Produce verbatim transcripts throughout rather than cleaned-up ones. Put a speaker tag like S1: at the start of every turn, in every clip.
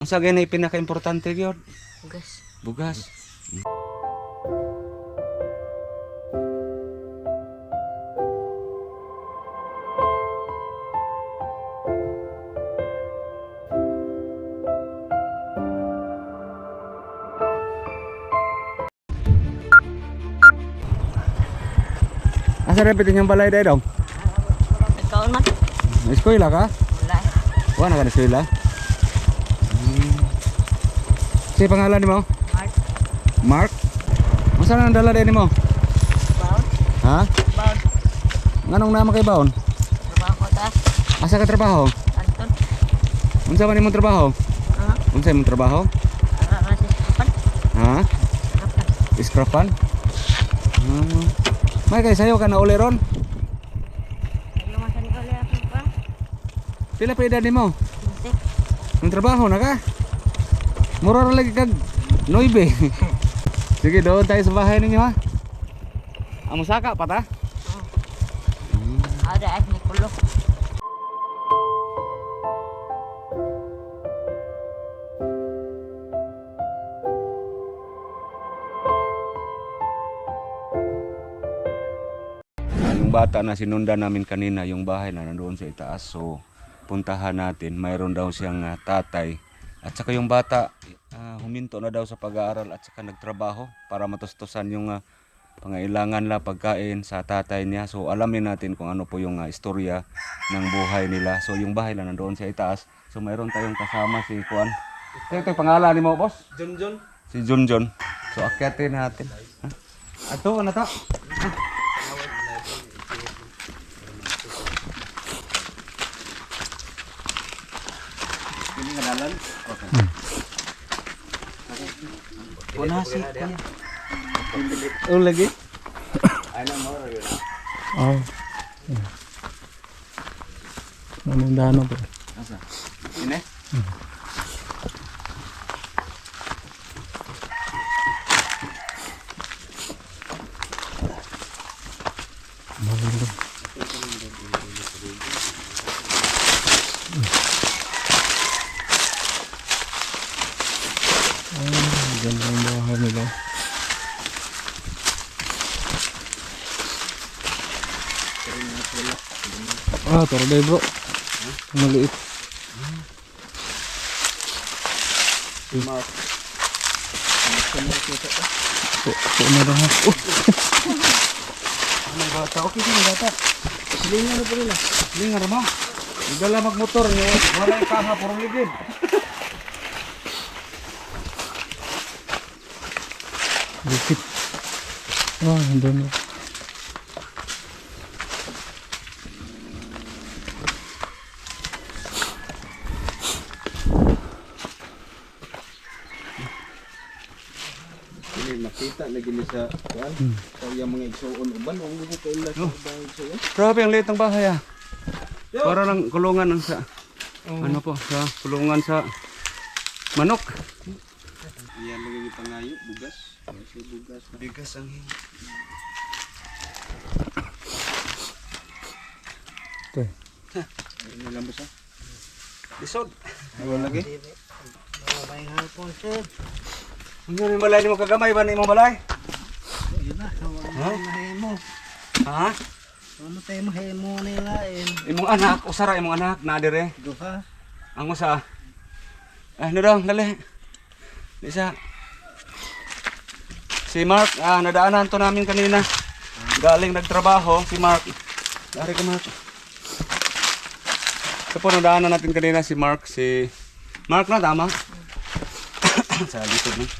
S1: Ang sa ganay pinaka-importante gyud,
S2: Bugas.
S1: bugas. Asa repit yung balay day dong?
S2: Ikaw man.
S1: Eskwela ka?
S2: Wala.
S1: Wala ka na eskwela? Hmm. Si pangalan mo?
S2: Mark.
S1: Mark? Masa nang dala din mo?
S2: Baon.
S1: Ha?
S2: Baon.
S1: Nganong nama kay baon?
S2: Trabaho ta.
S1: Asa ka trabaho?
S2: Anton.
S1: Unsa man imong trabaho?
S2: Ha?
S1: Unsa imong trabaho?
S2: Ara sa kapan.
S1: Ha?
S2: Kapan.
S1: Scrapan? Hmm. May kay sayo ka na uli ron?
S2: Ano man sa Nicole ako pa?
S1: Pila pa edad nimo?
S2: Hindi.
S1: Ang trabaho na ka? Mura ra lagi kag noibe. Sige, doon tayo sa bahay ninyo ha. Amo saka pa ta?
S2: Ada ay Nicolo.
S1: Yung bata na sinundan namin kanina, yung bahay na nandoon sa itaas. So, puntahan natin. Mayroon daw siyang uh, tatay. At saka yung bata, uh, huminto na daw sa pag-aaral at saka nagtrabaho para matustusan yung uh, pangailangan la pagkain sa tatay niya. So, alamin natin kung ano po yung uh, istorya ng buhay nila. So, yung bahay na nandoon sa itaas. So, mayroon tayong kasama si Juan. Ito yung pangalan ni mo, boss?
S3: Junjun.
S1: Si Junjun. So, akyatin natin. Ha? Ato, ano to?
S3: Ini ngadalan.
S1: Okay.
S3: Puna sih kuya.
S1: Oh, lagi?
S3: Ano mo rin na?
S4: Oh. Anong dano po?
S1: Asa? Ini?
S4: Maganda. Ah, ganda ang bahay nila. Ah, torday bro. Maliit.
S1: Mark.
S4: Po, po na lang ha. Oh,
S1: Ano bata? Okay din bata. Silingan na po nila. Silingan mo. Igala magmotor niyo. Wala yung kaha. Puro ligid.
S4: bukit. Ah, ang dami.
S3: Ini makita lagi ni sa kuan. So yung mga igsuon uban ang mga kaila sa mga igsuon.
S1: Grabe ang liit ng bahay ah. Para lang kulungan ang sa ano po sa kulungan sa manok.
S3: Iyan lagi ni pangayo bugas. Kasi bugas.
S1: Bigas ang hing.
S4: Ito.
S3: Ini lambos ah.
S1: Lisod.
S3: Wala lagi.
S2: May hapon sir.
S1: Ang yun yung balay ni mo kagamay ba ni mo balay?
S2: Yun na.
S1: Ha?
S2: Mahimo.
S1: Ha?
S2: Ano tayo mahimo nila eh.
S1: Imong anak, usara imong anak na dire.
S2: Duha.
S1: Ang usa. Ay, ano daw, dali. Isa. Si Mark, ah, nadaanan to namin kanina. Galing nagtrabaho, si Mark. Dari ka Mark. Ito po, nadaanan natin kanina si Mark, si... Mark na, tama? Sa likod na.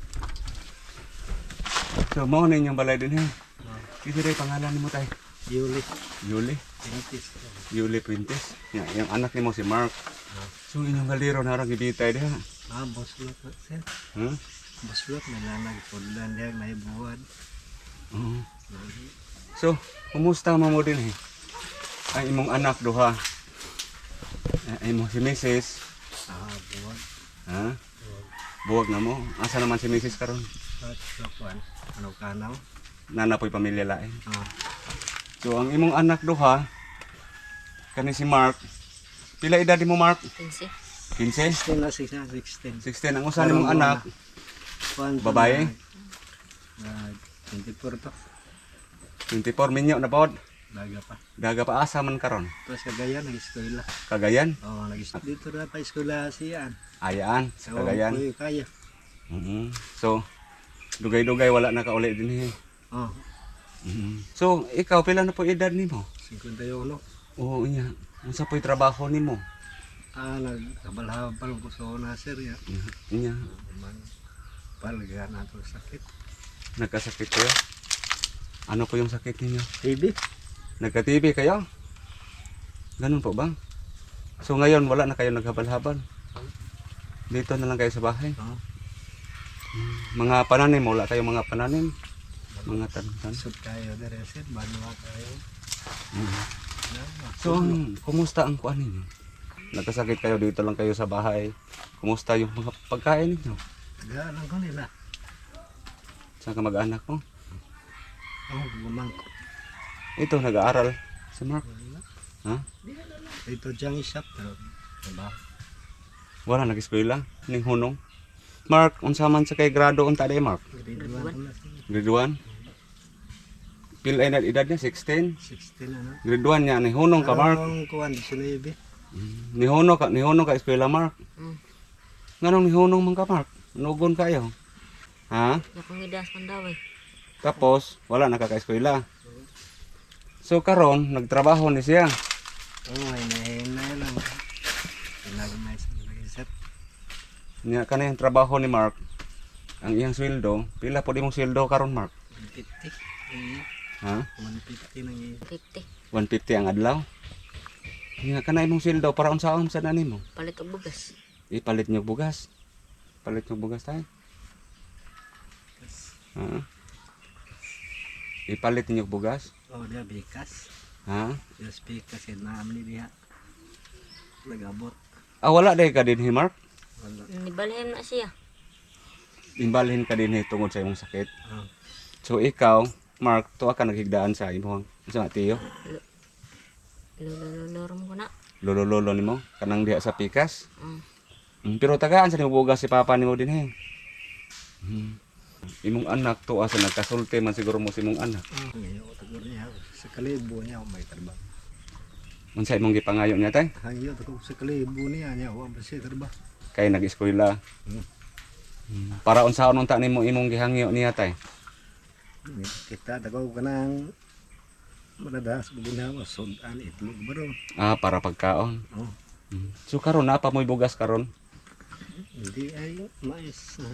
S1: So, mo na inyong balay din, he. Ito rin, pangalan mo tayo.
S2: Yuli.
S1: Yuli.
S2: Pintis.
S1: Yuli Pintes. Yan, yung anak ni mo si Mark. So, inyong galiro na harang ibitay diha.
S2: Ah, boslot na sir.
S1: Huh?
S2: Boslot may nanag pudlan diya may buwan.
S1: Oo. So, kumusta mo mo din eh? Ay, imong anak duha. Ay, imong si Missus
S2: Ah, buwan.
S1: Ha? Buwag na mo. Asa naman si Missus karon?
S2: At sa kuan. Ano kanaw?
S1: Nanapoy pamilya lain.
S2: Ah.
S1: So, ang imong anak duha, kani si Mark. Pila edad mo Mark?
S2: Pinsi.
S1: fifteen?
S2: sixteen na siya, sixteen.
S1: sixteen ang usa nimong anak.
S2: Kuan to
S1: Babae?
S2: na- na twenty-four to.
S1: twenty-four minyo na pod.
S2: Daga pa.
S1: Daga pa asa man karon.
S2: Tapos Cagayan, nag-eskwela.
S1: Cagayan,
S2: Oo, nag dito na pa eskwela siya.
S1: ayaan sa Cagayan.
S2: Oo, kaya.
S1: Mhm. So dugay-dugay wala na kauli din eh.
S2: Oo,
S1: Mhm. So ikaw pila na po edad nimo?
S2: fifty-one.
S1: Oo iya. Unsa po'y trabaho nimo?
S2: Ah, nagkabalhabal ko sa una, sir. Ya.
S1: Iya.
S2: Man, palga na to sakit.
S1: Nagkasakit kayo? Ano po yung sakit ninyo?
S2: T B?
S1: Nagka-T B kayo? Ganun po ba? So ngayon wala na kayo naghabal-habal? Dito na lang kayo sa bahay?
S2: Oo.
S1: Mga pananim, wala kayong mga pananim? Mga tanim.
S2: Sud kayo na rin, sir. Banwa kayo.
S1: So ang, kumusta ang kuan ninyo? Nagkasakit kayo, dito lang kayo sa bahay. Kumusta yung mga pagkain ninyo?
S2: Tagaan lang ko nila.
S1: Saan ka mag-anak mo?
S2: Oh, gumangko.
S1: Ito, nag-aaral. Si Mark. Ha?
S2: Ito diyang isap. Pero, diba?
S1: Wala, nag-eskwela. Ning hunong. Mark, unsa man sa kay grado unta day Mark?
S2: Grade one ko na sir.
S1: Grade one? Pil ay na edad niya, sixteen?
S2: sixteen ano.
S1: Grade one niya, ni hunong ka Mark.
S2: Ang kuwan, nineteen.
S1: Ni hunong ka, ni hunong ka eskwela Mark.
S5: Hmm.
S1: Nganong ni hunong man ka Mark? Nugon kayo. Ha?
S5: Yakong idas man daw eh.
S1: Tapos, wala nakaka-eskwela. So karon nagtrabaho ni siya.
S2: Oo, oh, hinahinay lang. Pinagmay sa lagi sir.
S1: Nya kana yung trabaho ni Mark. Ang iyang sweldo, pila po imong sweldo karon Mark?
S2: one fifty. Eh,
S1: Ha?
S2: one fifty nang i-
S5: fifty.
S1: one fifty ang adlaw. Nya kana imong sweldo para unsaon sa nimo?
S5: Palit og bugas.
S1: Ipalit niyo bugas. Palit niyo bugas tayo. Ha? Ipalit niyo bugas.
S2: Oh, dia bikas.
S1: Ha?
S2: Dia bikas yun na amin diha. Nagabot.
S1: Ah wala day ka dinhi Mark.
S2: Wala.
S5: Nibalhin na siya.
S1: Imbalhin ka dinhi tungod sa imong sakit.
S2: Oh.
S1: So ikaw, Mark, tuwa ka naghigdaan sa imong sa tiyo.
S5: Lululurum ko na.
S1: Lolo-lolo nimo kanang diha sa pikas.
S5: Mm.
S1: Mm, pero tagaan sa nimo bugas si papa nimo din he. Mm. Imong anak tuwa sa nagkasulti man siguro mo si imong anak.
S2: Ngayon, tagur niya. Sa kalibo niya, may trabaho.
S1: Unsa imong gipangayo niya tay?
S2: Hangyo, tagur sa kalibo niya, niya, wala ba siya trabaho.
S1: Kay nag-eskwela.
S2: Hmm.
S1: Mm. Para unsaon unta nimo imong gihangyo niya tay?
S2: Kita tago ka ng madadas ginawa sudan itlog bro.
S1: Ah, para pagkaon.
S2: Oh,
S1: Mm. So karon na pa mo'y bugas karon?
S2: hindi ay mais. ah.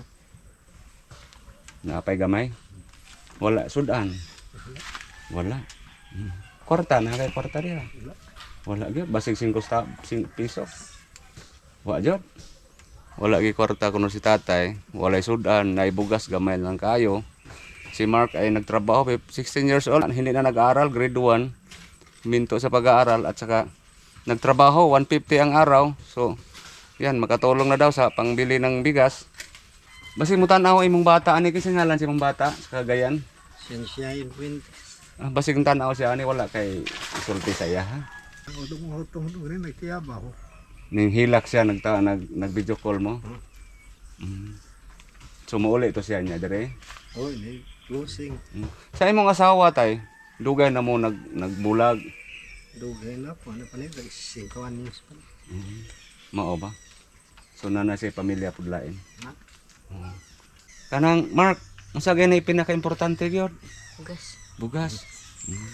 S1: Naapay gamay? Wala sudan. Wala. Mm. Kwarta na kay kwarta diha.
S2: Wala.
S1: Wala gyud basig singko sta sing piso. Wa jud. Wala gi kwarta kuno si tatay, walay sudan, naibugas gamay lang kayo. Si Mark ay nagtrabaho, sixteen years old, hindi na nag-aaral, grade one. Minto sa pag-aaral at saka nagtrabaho, one fifty ang araw. So, yan, makatulong na daw sa pangbili ng bigas. Basi mo tanaw imong bata, ani kasi ngalan si imong bata sa Cagayan.
S2: Siyensya yung kwento.
S1: Ah, basig tanaw siya, ani wala kay isulti sa iya, ha?
S2: Utong-utong rin, nagkiyaba ko.
S1: Ning hilak siya, nagta, nag, nag-video call mo. Mm. So, mauli ito siya niya, dire.
S2: Oh, hindi. Closing.
S1: Mm. Sa imong asawa, tay, dugay na mo nag, nagbulag.
S2: Dugay na po. Ano pa nito? Singkawan niyo.
S1: Mao ba? So na na si pamilya pudlain.
S2: Ha?
S1: Oo. Kanang Mark, unsa gay na pinaka-importante gyud?
S5: Bugas.
S1: Bugas. Mm.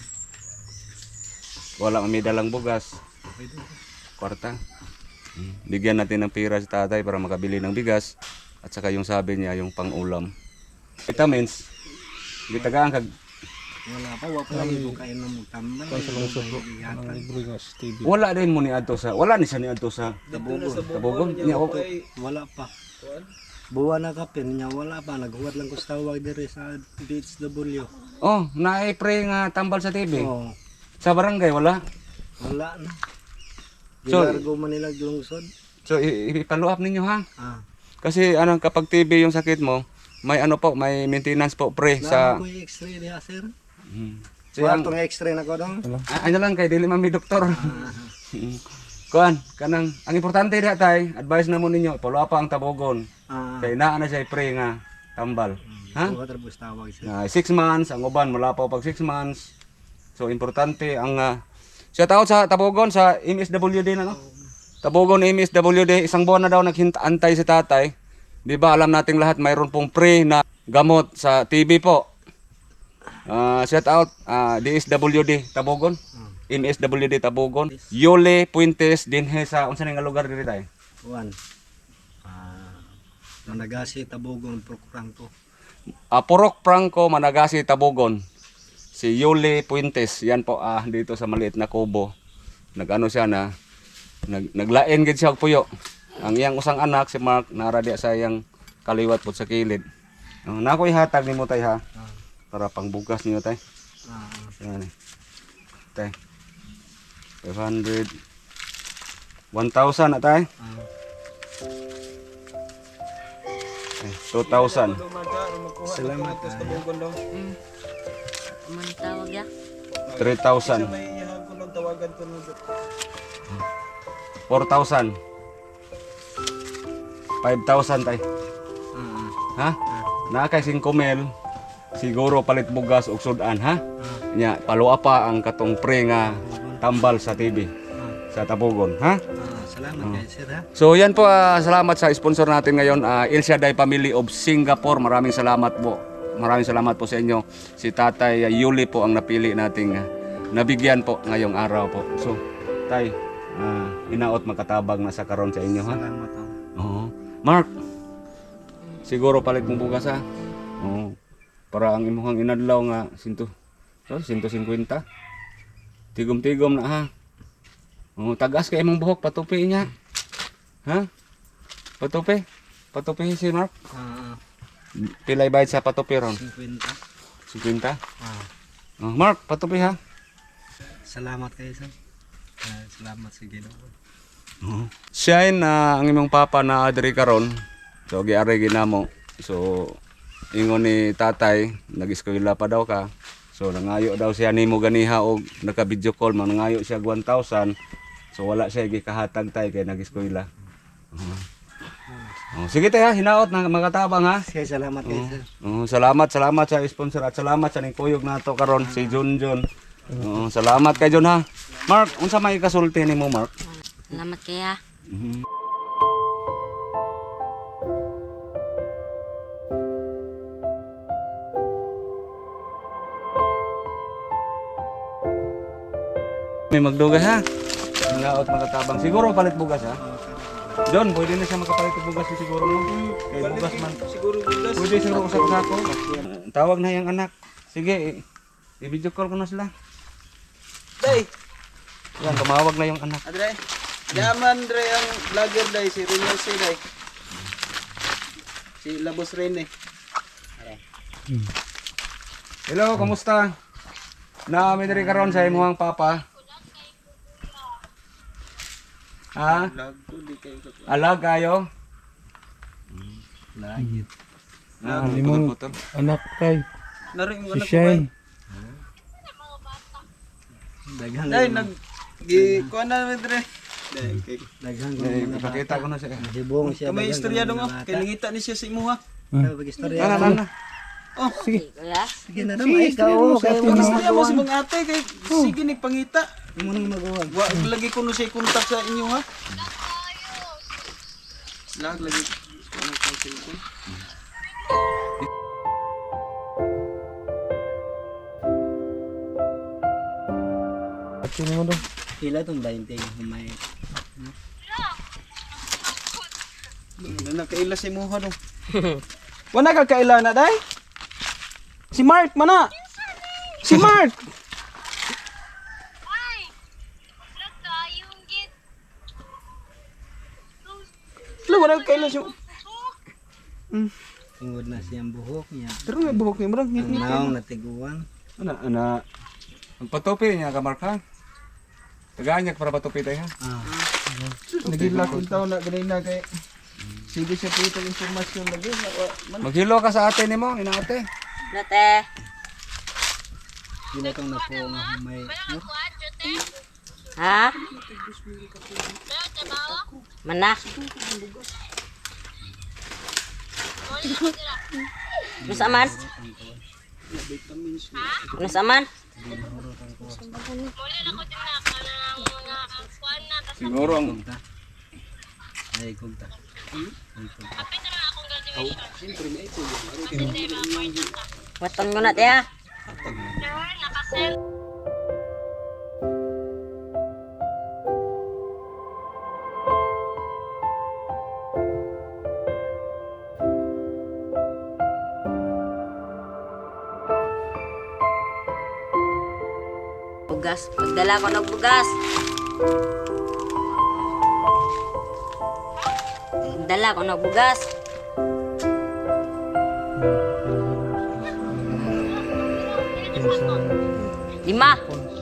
S1: Wala kami dalang bugas,
S2: Pwede.
S1: kwarta. Mm. Bigyan natin ng pira si tatay para makabili ng bigas at saka yung sabi niya yung pang-ulam. Vitamins. Gitagaan kag
S2: Wala pa. Wala pa lagi kung kain ng tambay.
S4: Ang libre nga sa T V.
S1: wala din mo ni adto sa wala ni siya ni adto sa Tabugon. Niya ako
S2: Wala pa. Buwan na kapin niya. Wala pa. Naghuwat lang ko sa tawag dire sa D H W.
S1: oh, naay pre nga tambal sa T V.
S2: Oh.
S1: Sa barangay wala.
S2: Wala na.
S1: So-
S2: Gilargo man nila lungsod.
S1: So i- i-follow up ninyo ha.
S2: Ah.
S1: Kasi ano kapag T B yung sakit mo, may ano po, may maintenance po pre sa
S2: Sa ko yung x-ray diha sir.
S1: Mm.
S2: So ang tong x-ray na ko dong.
S1: Ah, ano lang kay dili man mi doktor.
S2: Ah.
S1: Mm. kuan kanang ang importante diha tay, advice na mo ninyo, follow up ang tabogon.
S2: Ah,
S1: Kay naa na siya pre nga tambal. Ha?
S2: buhat ra bus tawag siya.
S1: Na six months ang uban wala pa pag six months. So importante ang uh, siya tawag sa tabogon sa M S W D na no. Tabogon M S W D isang buwan na daw naghintay si tatay. Di ba alam nating lahat mayroon pong pre na gamot sa T B po. Ah, shout out ah, D S W D Tabogon. M S W D Tabogon. Yole Puentes dinhe sa unsa nga lugar diri tay?
S2: Kuan. Ah, Managasi Tabogon Procurangko.
S1: Ah, Purok Franco Managasi Tabogon. Si Yole Puentes, yan po ah dito sa maliit na kubo. Nagano siya na nag naglain gid siya og puyo. Ang iyang usang anak si Mark nara diya sa iyang kaliwat pud sa kilid. Uh, nakoy hatag nimo tay ha. Para pangbugas niyo tay.
S2: Ah,
S1: Yan. Tay. five hundred one thousand na tay.
S2: ah,
S1: Eh, two thousand.
S2: salamat
S3: Tapos
S2: kayo.
S3: tabogon daw.
S5: Mm. Man tawag ya.
S1: three thousand.
S3: May ihang ko ng tawagan ko nung
S1: four thousand. five thousand tay.
S2: Ah,
S1: Ha? Na kay five mil. Siguro palit bugas og sudan ha. Nya paluwa pa ang katong pre nga tambal sa T V sa Tabogon ha.
S2: ah, salamat kayo sir ha.
S1: So yan po ah, salamat sa sponsor natin ngayon ah, El Shaddai Family of Singapore. Maraming salamat po. Maraming salamat po sa inyo. Si Tatay ah, Yuli po ang napili nating ah, nabigyan po ngayong araw po. So tay ah, inaot makatabang na sa karon sa inyo ha.
S2: Salamat ha.
S1: Oo. Mark. Siguro palit mong bugas ha. Oo. Para ang imuhang inadlaw nga sinto. So, one fifty. Tigom-tigom na ha. Oo, tagas kay imong buhok patupi niya. Ha? Patupi. Patupi si Mark.
S2: Ah,
S1: Pilay bayad sa patupi ron.
S2: fifty.
S1: fifty.
S2: Ah,
S1: Oh, Mark, patupi ha.
S2: salamat kayo sir. Ah, salamat sa Ginoo.
S1: Siya na ang imong papa na adri karon. So giari ginamo. So ingon ni tatay, nag-eskwela pa daw ka. So nangayo daw siya nimo ganiha og naka-video call man nangayo siya one thousand. So wala siya gikahatag tay kay nag-eskwela. Uh-huh. Oh, sige tay ha, hinaot na makatabang ha.
S2: Sige, salamat kayo sir.
S1: Oh, salamat, salamat sa sponsor at salamat sa ning kuyog nato karon si Junjun. Oh, salamat kay Jun ha. Mark, unsa may kasulti nimo Mark?
S5: Salamat kaya.
S1: Mhm. May magdugay ha. Laot makatabang. Siguro palit bugas ha. John, pwede na siya makapalit og bugas siguro no. Kay bugas man.
S3: siguro bulas.
S1: Pwede siguro usa ko sako. Tawag na yang anak. Sige, i- i-video call ko na sila.
S3: Day,
S1: Yan, tumawag na yung anak.
S3: adre. Yaman dre ang vlogger day si Rene si day. Si Labos Rene.
S1: Hello, kamusta? Naami diri karon sa imong papa. Ha?
S3: Vlog to di kayo ko.
S1: Alag kayo?
S2: Lagi.
S1: Ah,
S4: limang-
S1: putol-putol.
S4: Anak tay.
S3: Naring mo
S4: Si
S3: na ko.
S4: Shane.
S2: Daghan.
S3: Day nag gi kuan na mi dre. Day kay
S2: Daghan ko
S1: Eh,
S2: mga
S1: ipakita ko na siya.
S2: Hibong siya.
S3: kamay
S2: daghan
S3: istorya
S2: ko
S3: dong
S2: mga
S3: ah.
S2: bata.
S3: Kay nangita ni siya sa imo ha.
S2: Ah, pag-istorya.
S1: Ana, ana.
S3: Oh,
S5: Sige. Kuya.
S2: Sige na naman, ikaw. Kaya mo na
S3: istorya mo si mga ate kay sige ni pangita.
S2: mo nang magawa.
S3: Wa lagi ko no siya kontak sa inyo ha. Lag lagi ano ko cellphone.
S4: At sino mo daw?
S2: Pila itong twenty humay.
S3: Na nakaila si Moha dong. Wala ka kaila na day? Si Mark mana? Si Mark. Lo wala ka kaila siya.
S2: Tungod na siyang buhok niya.
S3: Pero may buhok ni Mark.
S2: Ang naong natiguan.
S1: Ana, ana. Ang patupi niya ka Mark ha. Tagaan niya para patupi tayo ha.
S2: Ah,
S3: Nagila ko taon na ganay na kay. Sige siya pito informasyon lagi. Man
S1: Maghilo ka sa ate nimo, inaate.
S5: Nate.
S2: pila itong napo nga humay.
S5: Ha? Mana? Nus aman? Nus aman?
S1: Siguro ang
S2: Ay, kunta.
S5: Waton ko na tiya. Bugas, pagdala ko ng bugas. Pagdala ko ng bugas. Lima.